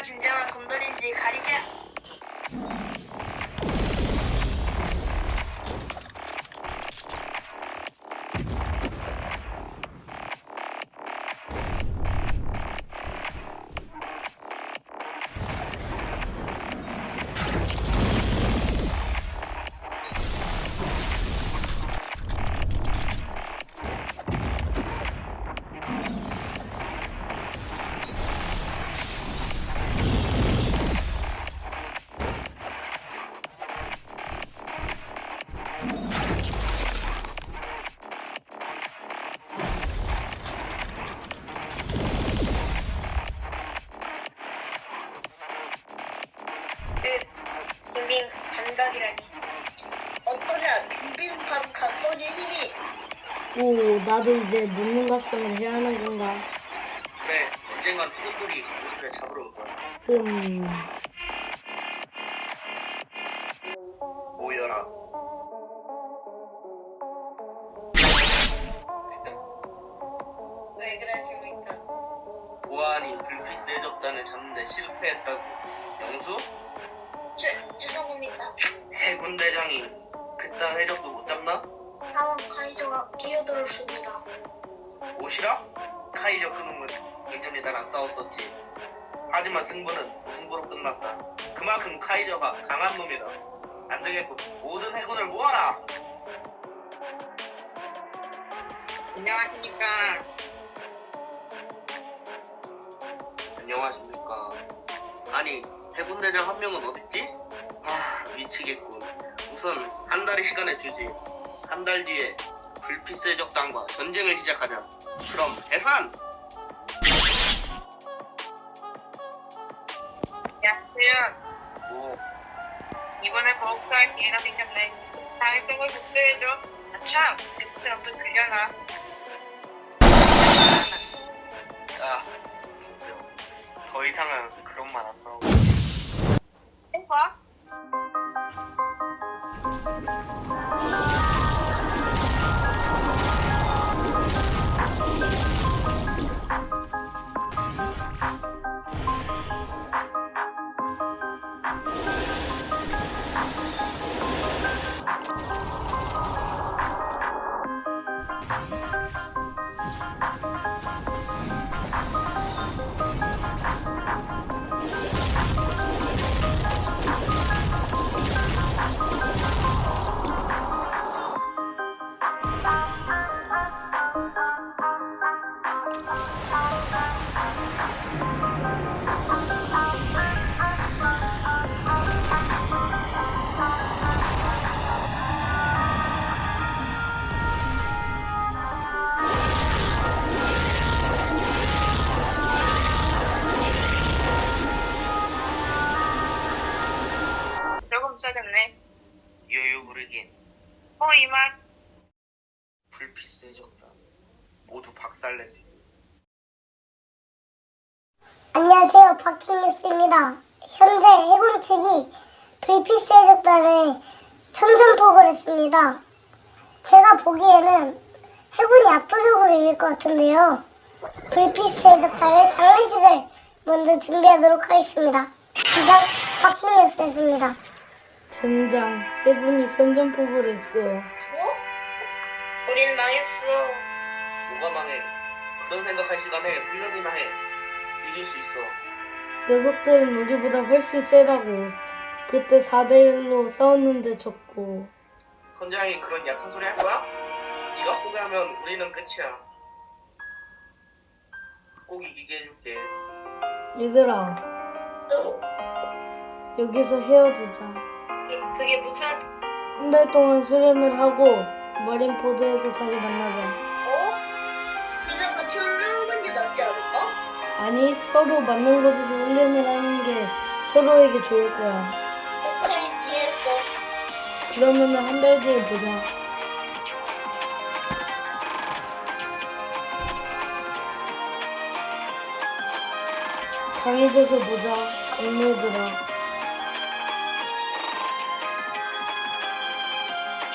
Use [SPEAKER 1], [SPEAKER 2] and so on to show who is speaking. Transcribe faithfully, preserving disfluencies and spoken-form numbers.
[SPEAKER 1] 진정한 곰돌이인지 가리자. 그 빙빙 감각이라니. 어떠냐 빙빙판 각성의 힘이.
[SPEAKER 2] 오, 나도 이제 눈눈 각성을 해야 하는 건가?
[SPEAKER 3] 그래, 언젠간 푸들이 우리를 잡으러 올 거야.
[SPEAKER 2] 음,
[SPEAKER 3] 모여라.
[SPEAKER 1] 왜 그러십니까?
[SPEAKER 3] 보안이 불필 세적단을 잡는데 실패했다고. 영수?
[SPEAKER 1] 죄, 죄송합니다.
[SPEAKER 3] 해군 대장이 그딴 해적도 못 잡나?
[SPEAKER 1] 사원 카이저가 끼어들었습니다.
[SPEAKER 3] 오시라? 카이저 그놈은 예전에 나랑 싸웠었지. 하지만 승부는 무승부로 끝났다. 그만큼 카이저가 강한 놈이다. 안 되겠고 모든 해군을 모아라.
[SPEAKER 1] 안녕하십니까.
[SPEAKER 3] 안녕하십니까. 아니 해군 대장 한 명은 어딨지? 아 미치겠군. 우선 한 달의 시간을 주지. 한 달 뒤에 불빛 세적단과 전쟁을 시작하자. 그럼 해산!
[SPEAKER 1] 야, 세연.
[SPEAKER 3] 뭐
[SPEAKER 1] 이번에 버벅할 기회가 생겼네. 당했던 걸 복수해줘. 아참, 내 뜻을 엄청 들려나.
[SPEAKER 3] 야, 더 이상은 그런 말 안 나오고.
[SPEAKER 1] 해봐. 조금 써졌네.
[SPEAKER 3] 여유 부르긴.
[SPEAKER 1] 어, 이만.
[SPEAKER 3] 불빛 세적단 모두 박살내지.
[SPEAKER 4] 안녕하세요. 박희뉴스입니다. 현재 해군 측이 불빛 세적단에 선전포고를 했습니다. 제가 보기에는 해군이 압도적으로 이길 것 같은데요. 불빛 세적단의 장례식을 먼저 준비하도록 하겠습니다. 이상 박희뉴스였습니다.
[SPEAKER 2] 젠장, 해군이 선전포고를 했어.
[SPEAKER 1] 뭐? 우린 망했어.
[SPEAKER 3] 뭐가 망해. 그런 생각할 시간에 훈련이나 해. 이길 수 있어.
[SPEAKER 2] 녀석들은 우리보다 훨씬 세다고. 그때 사 대 일로 싸웠는데 졌고.
[SPEAKER 3] 선장이 그런 약한 소리 할 거야? 네가 포기하면 우리는 끝이야. 꼭 이기게 해줄게.
[SPEAKER 2] 얘들아,
[SPEAKER 1] 어?
[SPEAKER 2] 여기서 헤어지자.
[SPEAKER 1] 그, 그게 무슨?
[SPEAKER 2] 한 달 동안 수련을 하고 마린포드에서 다시 만나자.
[SPEAKER 1] 어? 그냥 같이 훈련하는 게 낫지 않을까?
[SPEAKER 2] 아니, 서로 맞는 곳에서 훈련을 하는 게 서로에게 좋을 거야.
[SPEAKER 1] 오케이, 이해했어.
[SPEAKER 2] 그러면은 한 달 뒤에 보자. 강해져서 보자, 동료들아.